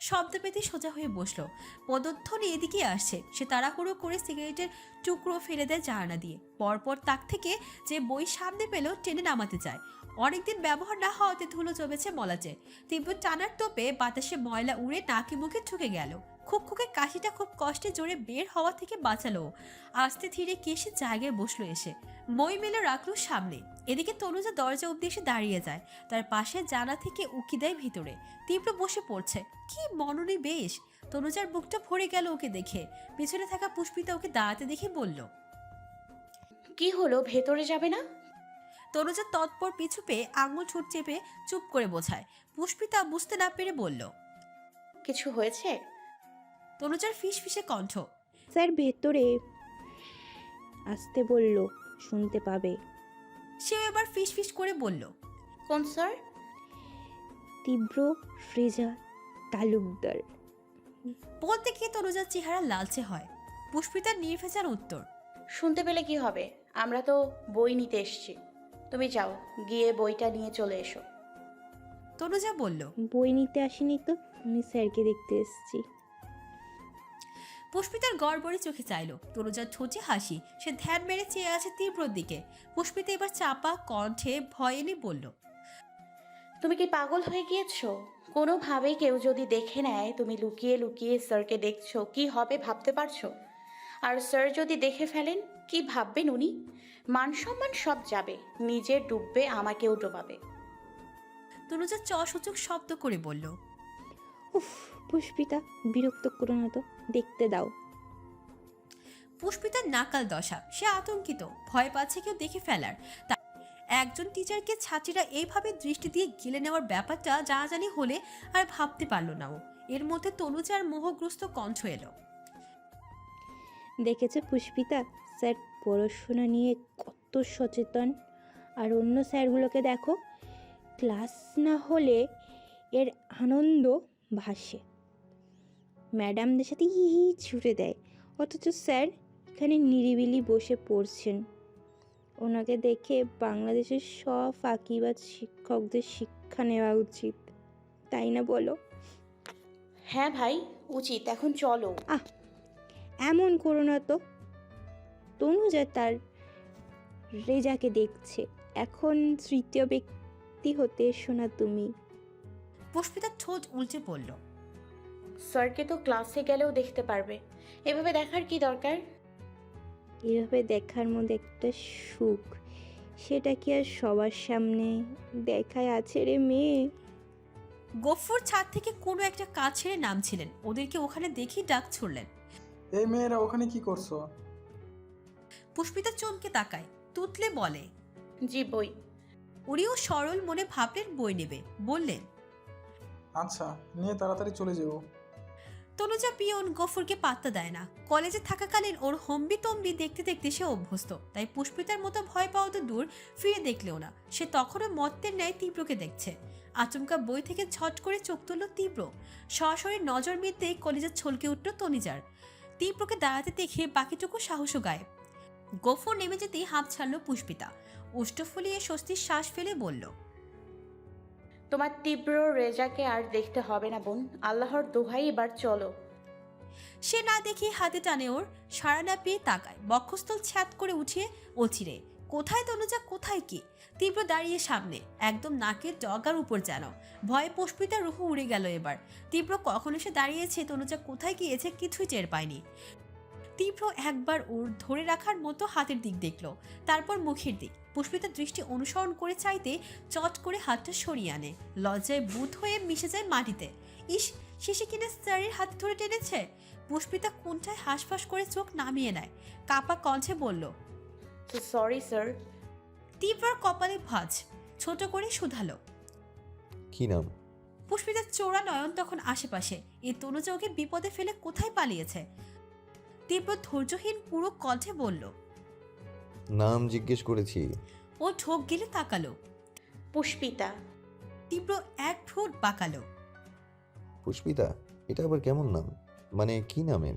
শব্দ পেতে সোজা হয়ে বসলো। পদধ্বনি এদিকে আসছে। সে তাড়াহুড়ো করে সিগারেটের টুকরো ফেলে দেয় জানালা দিয়ে। পরপর তাক থেকে যে বই সামনে পেল টেনে নামাতে চায়। অনেকদিন ব্যবহার না হওয়াতে ধুলো জমেছে মলাচে। তীব্র টানার তোপে বাতাসে ময়লা উড়ে নাকি মুখে ঢুকে গেল। খুকখুকে কাশিটা খুব কষ্টে জোরে বের হওয়া থেকে বাঁচালো। আস্তে ধীরে কেসে জায়গায় বসলো এসে। মই মেলে রাখলো সামনে। এদিকে তনুজা দরজা অব্দি এসে দাঁড়িয়ে যায়। তার পাশে জানা থেকে উকি দেয় ভিতরে। তীব্র বসে পড়ছে। কি মননী বেশ। তনুজার বুকটা ভরে গেল ওকে দেখে। পিছনে থাকা পুষ্পিতা ওকে দাঁড়াতে দেখে বলল, কি হলো, ভেতরে যাবে না? তনুজা তৎপর পিছু পেয়ে আঙুল ঠোঁট চেপে চুপ করে বোঝায়। পুষ্পিতা বুঝতে না পেরে বলল, কিছু হয়েছে? তনুজার ফিসফিসে কণ্ঠ। স্যার ভেতরে আসতে বলল, শুনতে পাবে। সে এবার ফিসফিস করে বলল, কোন স্যার? তীব্র ফ্রেজা তালুকদার। বলতে গিয়ে তনুজার চেহারা লালচে হয়। পুষ্পিতার নির্ভেজাল উত্তর, শুনতে পেলে কি হবে, আমরা তো বই নিতে এসেছি। তুমি যাও, গিয়ে বইটা নিয়ে চলে এসো। তনুজা বলল। বই নিতে আসিনি তো, আমি স্যারকে দেখতে এসেছি। পুষ্পিতার গড়বড়ে চোখে চাইল। তনুজার ঠোঁটে হাসি। সে ধ্যান মেরে চেয়ে আছে তীব্রর দিকে। পুষ্পিতা এবার চাপা কণ্ঠে ভয় এনে বলল, তুমি কি পাগল হয়ে গিয়েছো? কোনোভাবে কেউ যদি দেখে নেয় তুমি লুকিয়ে লুকিয়ে স্যারকে দেখছো, কি হবে ভাবতে পারছো? আর স্যার যদি দেখে ফেলেন, কি ভাববেন উনি? মান সম্মান সব যাবে, নিজে ডুববে, আমাকেও ডোবাবে। তনুজা সূচক শব্দ করে বলল, উফ পুষ্পিতা, বিরক্ত করো না তো, দেখতে দাও। পুষ্পিতার নাকাল দশা। সে আতঙ্কিত, ভয় পাচ্ছে কেউ দেখে ফেলার। একজন টিচারকে ছাত্রীরা এইভাবে দৃষ্টি দিয়ে গিলে নেওয়ার ব্যাপারটা জানাজানি হলে আর ভাবতে পারল না ও। এর মধ্যে তনুজার মোহগ্রস্ত কণ্ঠ এলো, দেখেছে পুষ্পিতা, স্যার পড়াশোনা নিয়ে কত সচেতন। আর অন্য স্যারগুলোকে দেখো, ক্লাস না হলে এর আনন্দ ভাসে, ম্যাডামদের সাথে হি হি ছুটে দেয়, অথচ স্যার এখানে নিরিবিলি বসে পড়ছেন। ওনাকে দেখে বাংলাদেশের সব ফাঁকিবাজ শিক্ষকদের শিক্ষা নেওয়া উচিত, তাই না বলো? হ্যাঁ ভাই, উচিত। এখন চলো। আহ, এমন করো না তো। তনুজা তার রেজাকে দেখছে, এখন তৃতীয় ব্যক্তি হতে এসো না তুমি। পুষ্পিতার ঠোঁট উল্টে পড়ল, স্যারকে তো ক্লাসে গেলেও দেখতে পারবে, এভাবে দেখার কি দরকার? এভাবে দেখার মধ্যে একটা সুখ, সেটা কি আর সবার সামনে দেখায় আছে রে মেয়ে? গফুর ছাদ থেকে কোনো একটা কাজ ছেড়ে নামছিলেন। ওদেরকে ওখানে দেখেই ডাক ছুড়লেন। এই মেয়েরা ওখানে কি করছো? পুষ্পিতা চমকে তাকায়, তুতলে বলে, জি বই। উনিও সরল মনে ভাবলেন বই নেবে। বললেন, আচ্ছা, নিয়ে তাড়াতাড়ি চলে যাবো। তনুজা পিয়ন গফুরকে পাত্তা দেয় না। কলেজে থাকাকালীন ওর হম্বি তম্বি দেখতে দেখতে সে অভ্যস্ত। তাই পুষ্পিতার মতো ভয় পাওয়া তো দূর, ফিরে দেখলেও না। সে তখনও মত্তের ন্যায় তীব্রকে দেখছে। আচমকা বই থেকে ঝট করে চোখ তুলল তীব্র। সরাসরি নজর মিলতেই কলেজে ছলকে উঠল তনিজার। তীব্রকে দাঁড়াতে দেখে বাকিটুকু সাহসও গায়েব। গফুর নেমে যেতেই হাঁপ ছাড়ল পুষ্পিতা। উষ্ঠ ফুলিয়ে স্বস্তির শ্বাস ফেলে বলল, তোমার তীব্র রেজাকে আর দেখতে হবে না বোন, আল্লাহর দোহাই, এবার চলো। সে না দেখে হাতে টানে ওর। সাড়া না পেয়ে তাকায়। বক্ষস্থল ছ্যাদ করে উঠিয়ে অচিরে। কোথায় তনুজা, কোথায় কি? তীব্র দাঁড়িয়ে সামনে, একদম নাকের ডগার উপর যেন। ভয়ে পুষ্পিতার রুহু উড়ে গেল এবার। তীব্র কখন এসে দাঁড়িয়েছে, তনুজা কোথায় গিয়েছে কিছুই টের পায়নি। তীব্র একবার ওর ধরে রাখার মতো হাতের দিক দেখলো, তারপর মুখের দিক। পুষ্পিতার দৃষ্টি অনুসরণ করে চাইতে চট করে হাতটা সরিয়ে আনে। লজ্জায় বুঁদ হয়ে মিশে যায় মাটিতে। ইস, শেষে কিনা স্যারের হাত ধরে টেনেছে। পুষ্পিতা কোনটায় হাঁসফাঁস করে চোখ নামিয়ে নেয়। কাপা কণ্ঠে বলল, তো সরি স্যার। তীব্রর কপালে ভাঁজ। ছোট করে শুধালো। কি নাম? পুষ্পিতার চোরা নয়ন তখন আশেপাশে। এ তনুজা ওকে বিপদে ফেলে কোথায় পালিয়েছে? তীব্র ধৈর্যহীন পুরো কণ্ঠে বলল, নাম জিজ্ঞেস করেছি। ও ঢোক গেলে তাকালো। পুষ্পিতা। তীব্র এক ঠোঁট বাঁকালো। পুষ্পিতা? এটা আবার কেমন নাম? মানে কি নামের?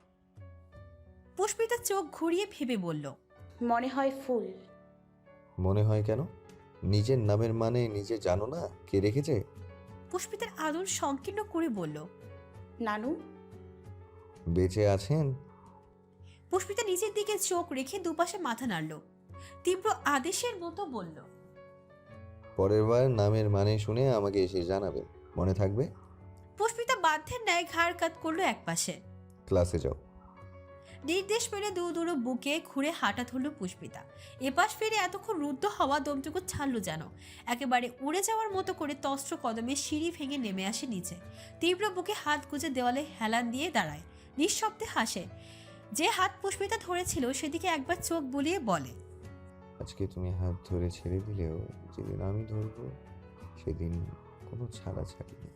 পুষ্পিতা চোখ ঘুরিয়ে ভেবে বলল, মনে হয় ফুল। মনে হয় কেন? নিজের নামের মানে নিজে জানো না কে রেখেছে? পুষ্পিতার আদর সংকীর্ণ করে বলল, নানু? বেঁচে আছেন? পুষ্পিতা নিজের দিকে চোখ রেখে দুপাশে মাথা নাড়ল, তীব্র আদেশের মতো বলল, পরের বার নামের মানে শুনে আমাকে এসে জানাবেন, মনে থাকবে? পুষ্পিতা বাধ্যের ন্যায় ঘাড় কাত করলো একপাশে। ক্লাসে যাও। নির্দেশ পেলে দূর বুকে ঘুরে হাঁটা ধরল পুষ্পিতা। এপাশ ফিরে এতক্ষণ রুদ্ধ হওয়া দমটুকু ছাড়লো যেন। একেবারে উড়ে যাওয়ার মতো করে তস্ত্র কদমে সিঁড়ি ভেঙে নেমে আসে নিচে। তীব্র বুকে হাত গুজে দেওয়ালে হেলান দিয়ে দাঁড়ায়, নিঃশব্দে হাসে। যে হাত পুষ্পিতা ধরেছিল সেদিকে একবার চোখ বুলিয়ে বলে, আজকে তুমি হাত ধরে ছেড়ে দিলেও যেদিন আমি ধরবো সেদিন কোনো ছাড়াছাড়ি নেই।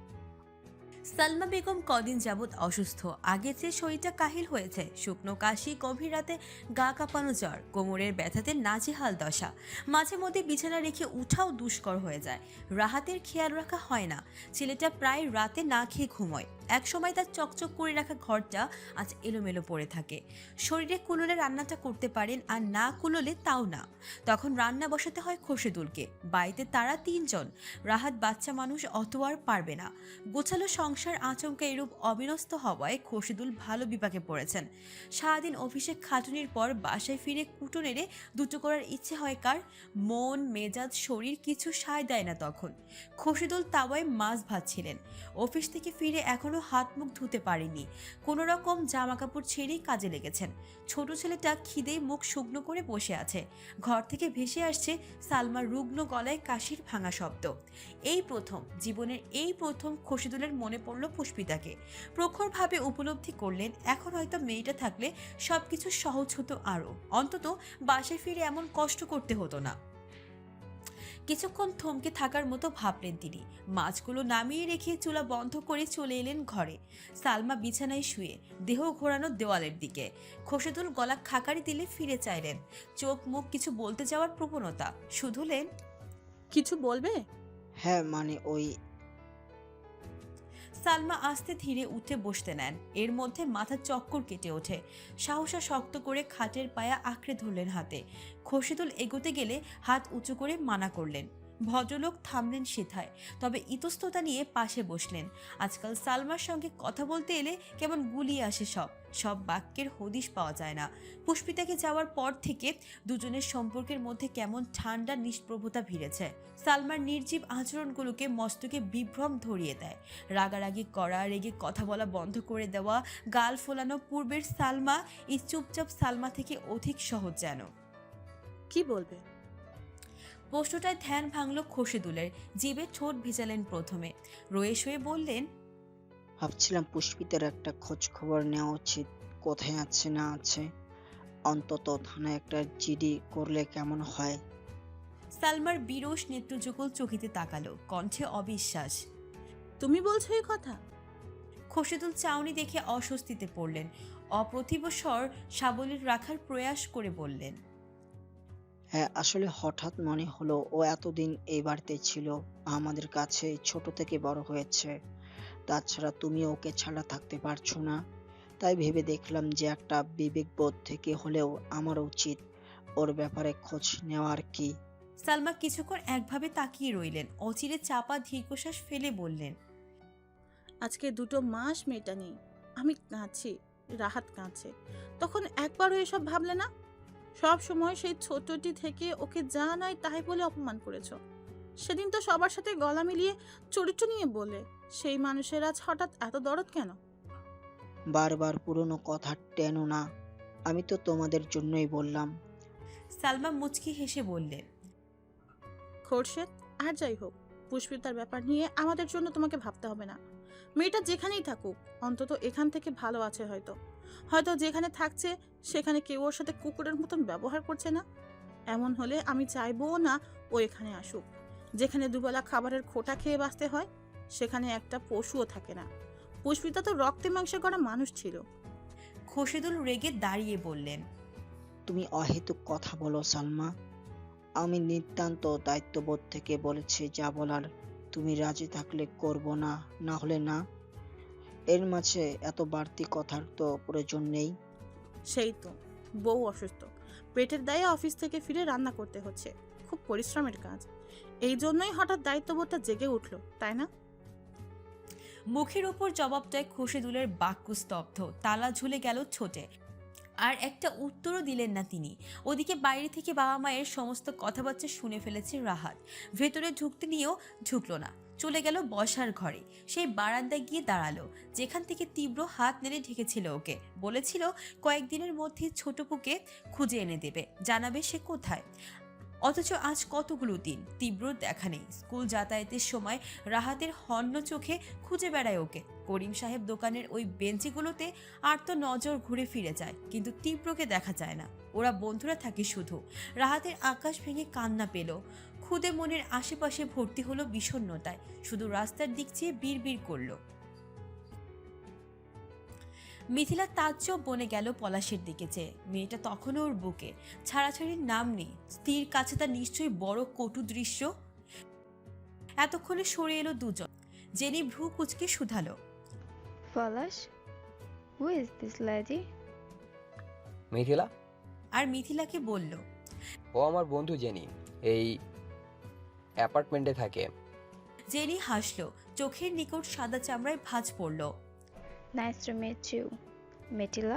সালমা বেগম কদিন যাবৎ অসুস্থ। আগের চেয়ে শরীরটা কাহিল হয়েছে। শুকনো কাশি, গভীর রাতে গা কাঁপানো জ্বর, কোমরের ব্যথাতে নাজেহাল দশা। মাঝে মধ্যে বিছানা রেখে উঠাও দুষ্কর হয়ে যায়। রাহাতের খেয়াল রাখা হয় না। ছেলেটা প্রায় রাতে না খেয়ে ঘুমোয়। একসময় তার চকচক করে রাখা ঘরটা আজ এলোমেলো পড়ে থাকে। শরীরে কুলোলে রান্নাটা করতে পারেন, আর না কুলোলে তাও না। তখন রান্না বসাতে হয় খোরশেদুলকে। বাড়িতে তারা 3 জন। রাহাত বাচ্চা মানুষ, অত আর পারবে না। গোছালো সংসার আচমকা এরূপ অবিন্যস্ত হওয়ায় খোরশেদুল ভালো বিপাকে পড়েছেন। সারাদিন অফিসে খাটুনির পর বাসায় ফিরে কুটো নেড়ে দুটো করার ইচ্ছে হয় কার? মন মেজাজ শরীর কিছু সায় দেয় না তখন। খোরশেদুল তাওয়ায় মাছ ভাজছিলেন। অফিস থেকে ফিরে এখনো হাত মুখ ধুতে পারেনি। কোনো রকম জামা কাপড় ছেড়েই কাজে লেগেছেন। ছোট ছেলেটা খিদেই মুখ শুকনো করে বসে আছে। ঘর থেকে ভেসে আসছে সালমার রুগ্ন গলায় কাশির ভাঙা শব্দ। জীবনের এই প্রথম খোরশেদুলের মনে পড়ল পুষ্পিতাকে। প্রখরভাবে উপলব্ধি করলেন এখন হয়তো মেয়েটা থাকলে সবকিছু সহজ হতো আরও। অন্তত বাসায় ফিরে এমন কষ্ট করতে হতো না। কিছুক্ষণ থমকে থাকার মতো ভাবলেন তিনি। মাছগুলো নামিয়ে রেখে চুলা বন্ধ করে চলে এলেন ঘরে। সালমা বিছানায় শুয়ে, দেহ ঘোরানো দেওয়ালের দিকে। খোরশেদুল গলা খাকারি দিলে ফিরে চাইলেন। চোখ মুখ কিছু বলতে যাওয়ার প্রবণতা, শুধুলেন, কিছু বলবে? হ্যাঁ মানে ওই সালমা আস্তে ধীরে উঠে বসতে নেন। এর মধ্যে মাথা চক্কর কেটে ওঠে। সাহসা শক্ত করে খাটের পায়া আঁকড়ে ধরলেন হাতে। খোরশেদুল এগোতে গেলে হাত উঁচু করে মানা করলেন। ভদ্রলোক থামলেন সেথায়, তবে ইতস্ততা নিয়ে পাশে বসলেন। আজকাল সালমার সঙ্গে কথা বলতে এলে কেমন গুলিয়ে আসে সব বাক্যের হদিশ পাওয়া যায় না। পুষ্পিতাকে যাওয়ার পর থেকে দুজনের সম্পর্কের মধ্যে কেমন ঠান্ডা নিষ্প্রভতা ভিড়েছে। সালমার নির্জীব আচরণগুলোকে মস্তকে বিভ্রম ধরিয়ে দেয়। রাগারাগি করা, রেগে কথা বলা বন্ধ করে দেওয়া, গাল ফোলানো পূর্বের সালমা এই চুপচাপ সালমা থেকে অধিক সহজ যেন। কি বলবে? প্রশ্নটায় ধ্যান ভাঙল খোরশেদুলের। জিভে ঠোঁট ভেজালেন প্রথমে, রয়ে শয়ে বললেন, ভাবছিলাম পুষ্পিতার একটা খোঁজ খবর নেওয়া উচিত, কোথায় আছে না আছে। অন্তত থানায় একটা জিডি করলে কেমন হয়। সালমার বিরস নেত্রযুগল চকিতে তাকালো, কণ্ঠে অবিশ্বাস। তুমি বলছো এই কথা? খোরশেদুল চাউনি দেখে অস্বস্তিতে পড়লেন। অপ্রতিভ স্বর সাবলীল রাখার প্রয়াস করে বললেন, হ্যাঁ আসলে হঠাৎ মনে হলো ও এতদিন এই বাড়িতে ছিল, আমাদের কাছে ছোট থেকে বড় হয়েছে। তাছাড়া তুমি ওকে ছাড়া থাকতে পারছো না। তাই ভেবে দেখলাম যে একটা বিবেকবোধ থেকে হলেও আমার উচিত ওর ব্যাপারে খোঁজ নেওয়ার কি। সালমা কিছুক্ষণ একভাবে তাকিয়ে রইলেন। অচিরে চাপা দীর্ঘশ্বাস ফেলে বললেন, আজকে 2 মাস মেয়েটা নেই, আমি কাঁদছি, রাহাত কাঁদছে। তখন একবারও এসব ভাবলে না? সব সময় সেই ছোটটি থেকে ওকে যা নাই তাই বলে অপমান করেছো। সেদিন তো সবার সাথে গলা মিলিয়ে চরিত্র নিয়ে বলে, সেই মানুষের আজ হঠাৎ এত দরদ কেন? বারবার পুরনো কথা টেনো না, আমি তো তোমাদের জন্যই বললাম। সালমা মুচকি হেসে বললেন, খোরশেদ, আর যাই হোক, পুষ্পিতার ব্যাপার নিয়ে আমাদের জন্য তোমাকে ভাবতে হবে না। মেয়েটা যেখানেই থাকুক, অন্তত এখান থেকে ভালো আছে। হয়তো যেখানে থাকছে সেখানে কেউ ওর সাথে কুকুরের মতন ব্যবহার করছে না। এমন হলে আমি চাইবো না ও এখানে আসুক। যেখানে দুবেলা খাবারের খোটা খেয়ে বাঁচতে হয়, সেখানে একটা পশুও থাকে না। পুষ্পিতা তো রক্তে মাংসে করা মানুষ ছিল। খোরশেদুল রেগে দাঁড়িয়ে বললেন, তুমি অহেতুক কথা বলো সালমা। আমি নিতান্ত দায়িত্ববোধ থেকে বলেছি যা বলার। তুমি রাজি থাকলে করব, না না হলে না। এর মাঝে এত বাড়তি কথার তো প্রয়োজন নেই। সেই তো, বউ অসুস্থ, পেটের দায়ে অফিস থেকে ফিরে রান্না করতে হচ্ছে, খুব পরিশ্রমের কাজ। এই জন্যই হঠাৎ দায়িত্ববোধটা জেগে উঠলো, তাই না? মুখের ওপর জবাবটায় খসেদুলের বাক্য স্তব্ধ, তালা ঝুলে গেল ছোটে। আর একটা উত্তরও দিলেন না তিনি। ওদিকে বাইরে থেকে বাবা মায়ের সমস্ত কথাবার্তা শুনে ফেলেছে রাহাত। ভেতরে ঢুকতে নিয়েও ঢুকলো না, চলে গেল বসার ঘরে। সেই বারান্দায় গিয়ে দাঁড়ালো, যেখান থেকে তীব্র হাত নেড়ে ঢেকেছিল ওকে। বলেছিল কয়েকদিনের মধ্যে ছোটপুকে খুঁজে এনে দেবে, জানাবে সে কোথায়। অথচ আজ কতগুলো দিন তীব্র দেখা নেই। স্কুল যাতায়াতের সময় রাহাতের হন্য চোখে খুঁজে বেড়ায় ওকে। করিম সাহেব দোকানের ওই বেঞ্চিগুলোতে আর তো নজর ঘুরে ফিরে যায়, কিন্তু তীব্রকে দেখা যায় না। ওরা বন্ধুরা থাকে শুধু। রাহাতের আকাশ ভেঙে কান্না পেল। খুদে মনের আশেপাশে ভর্তি হলো বিষণ্ণতায়। শুধু রাস্তার দিক চেয়ে বিড়বিড় করলো। মিথিলা তাজ্জব বনে গেল পলাশের দিকে চেয়ে। মেয়েটা তখনও ওর বুকে, ছাড়াছাড়ির নাম নেই। স্ত্রীর কাছে তার নিশ্চয়ই বড় কটু দৃশ্য। এতক্ষণে সরে এলো দুজন। জেনি ভ্রু কুচকে শুধালো, Palash, who is this lady? Mithila? আর মিথিলাকে বলল, ও আমার বন্ধু জেনি, এই অ্যাপার্টমেন্টে থাকে। জেনি হাসলো, চোখের নিকট সাদা চামড়ায় ভাঁজ পড়ল। Nice to meet you, Metila.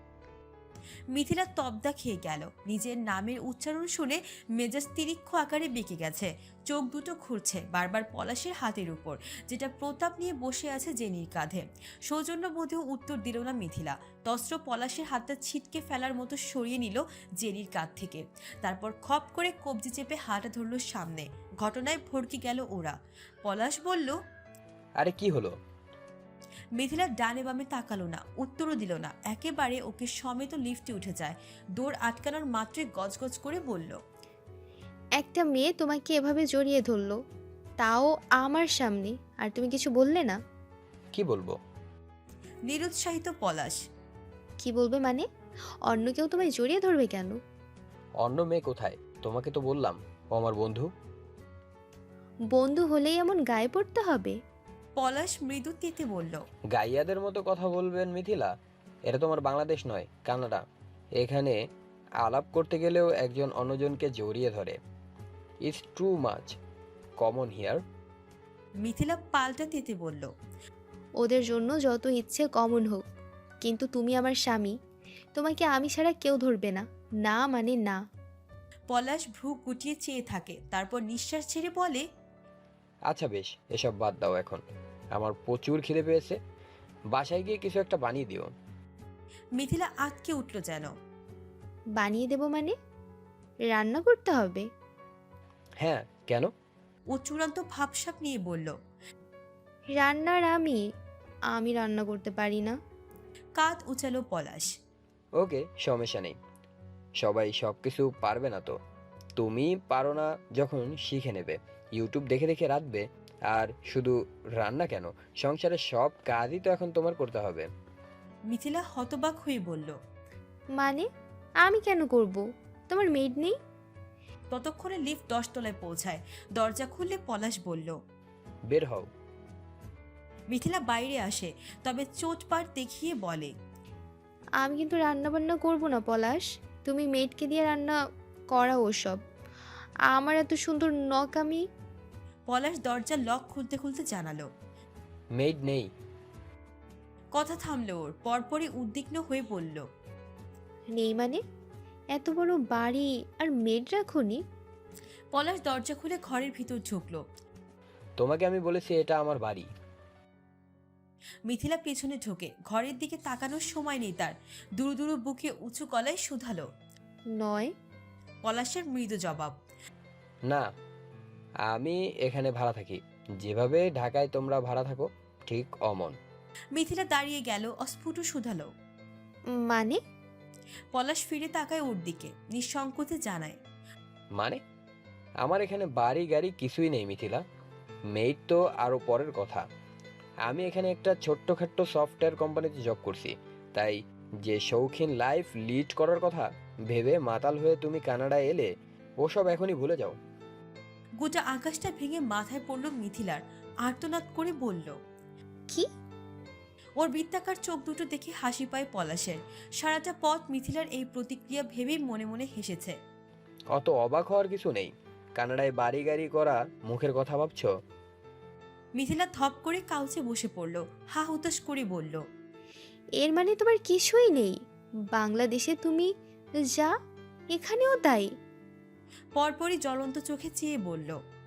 Mithila তবদা খেয়ে গেল। নিজের নামের উচ্চারণ শুনে মেজাজ তিরিক্ষ আকারে বেঁকে গেছে। চোখ দুটো ঘুরছে বারবার পলাশের হাতের উপর, যেটা প্রতাপ নিয়ে বসে আছে জেনির কাঁধে। সৌজন্য বোধেও উত্তর দিল না মিথিলা। তস্ত্র পলাশের হাতটা ছিটকে ফেলার মতো সরিয়ে নিল জেনির কাঁধ থেকে। তারপর খপ করে কবজি চেপে হাঁটা ধরল সামনে। ঘটনায় ভড়কে গেল ওরা। পলাশ বলল, আরে কি হলো? মিথিলা ডানে বামে তাকালো না, উত্তরও দিল না। একেবারে ওকে সমেত লিফটে উঠে যায়। দৌড় আটকানোর মাত্রই গজগজ করে বলল, একটা মেয়ে তোমাকে এভাবে জড়িয়ে ধরলো, তাও আমার সামনে, আর তুমি কিছু বললে না? কি বলবো? নিরুৎসাহিত পলাশ। কি বলবে মানে? অন্য কেউ তোমায় জড়িয়ে ধরবে কেন? অন্য মেয়ে কোথায়? তোমাকে তো বললাম ও আমার বন্ধু। বন্ধু হলেই এমন গায়ে পড়তে হবে? পলাশ মৃদু তেতে বলল, গাইয়াদের মতো কথা বলবেন মিথিলা। এটা তোমার বাংলাদেশ নয়, কানাডা। এখানে আলাপ করতে গেলেও একজন অন্যজনকে জড়িয়ে ধরে। It's too much common here. Mithila পাল্টা তেতে বলল, ওদের জন্য যত ইচ্ছে কমন হোক, কিন্তু তুমি আমার স্বামী, তোমাকে আমি ছাড়া কেউ ধরবে না। না মানে না। পলাশ ভ্রু গুটিয়ে চেয়ে থাকে, তারপর নিঃশ্বাস ছেড়ে বলে, আচ্ছা বেশ, এসব বাদ দাও এখন। আমার প্রচুর খিদে পেয়েছে, বাসায় গিয়ে কিছু একটা বানিয়ে দিও। মিথিলা আটকে উঠল যেন। বানিয়ে দেব মানে? রান্না করতে হবে? হ্যাঁ, কেন? ও চূড়ান্ত ভাবসাব নিয়ে বলল, রান্নার আমি রান্না করতে পারি না। কাঁধ উচালো পলাশ। ওকে, সমস্যা নেই। সবাই সব কিছু পারবে না তো। তুমি পারো না যখন শিখে নেবে, ইউটিউব দেখে দেখে রাঁধবে। আর শুধু রান্না কেন, সংসারের সব কাজই তো এখন তোমার করতে হবে। মিথিলা হতবাক হয়ে বলল, মানে আমি কেন করব? তোমার মেড নেই? ততক্ষণে লিফট 10 তলায় পৌঁছায়। দরজা খুললে পলাশ বলল, বের হও। মিথিলা বাইরে আসে, তবে চোটপাট দেখিয়ে বলে, আমি কিন্তু রান্না বান্না করব না পলাশ, তুমি মেডকে দিয়ে রান্না করাও ওসব। আমার এত সুন্দর নখ আমি। পলাশ দরজা লক খুলতে খুলতে জানালো। মেড নেই। কথা থামলো ওর, পরপরই উদ্বিগ্ন হয়ে বলল, নেই মানে? এত বড় বাড়ি আর মেড রাখুনি? পলাশ দরজা খুলে ঘরের ভিতর ঢুকলো। তোমাকে আমি বলেছি এটা আমার বাড়ি। মিথিলা পেছনে ঢোকে, ঘরের দিকে তাকানোর সময় নেই তার। দুরু দুরু বুকে উঁচু গলায় শুধালো। নয়। পলাশের মৃদু জবাব, না, আমি এখানে ভাড়া থাকি। যেভাবে ঢাকায় তোমরা ভাড়া থাকো, ঠিক অমন। মিথিলা দাঁড়িয়ে গেল, অস্ফুট শুধালো। মানে? পলাশ ফিরে তাকায় ওর দিকে, নিঃসংকোচে জানায়, মানে আমার এখানে বাড়ি গাড়ি কিছুই নেই মিথিলা। মেড তো আরো পরের কথা। আমি এখানে একটা ছোট্টখাট্ট সফটওয়্যার কোম্পানিতে জব করছি। তাই যে শৌখিন লাইফ লিড করার কথা ভেবে মাতাল হয়ে তুমি কানাডায় এলে, ওসব এখনই ভুলে যাও। গোটা আকাশটা ভেঙে মাথায় পড়ল মিথিলার। আর্তনাদ করে বলল, কি? ওর বৃত্তাকার চোখ দুটো দেখে হাসি পায় পলাশের। সারাটা পথ মিথিলার এই প্রতিক্রিয়া ভেবেই মনে মনে হেসেছে। অত অবাক হওয়ার কিছু নেই। কানাডায় বাড়ি গাড়ি করা মুখের কথা ভাবছো? মিথিলা থপ করে কাউচে বসে পড়ল, হা হুতাশ করে বলল, এর মানে তোমার কিছুই নেই। বাংলাদেশে তুমি যা, এখানেও তাই। পরপরই জ্বলন্ত চোখে চেয়ে বলল,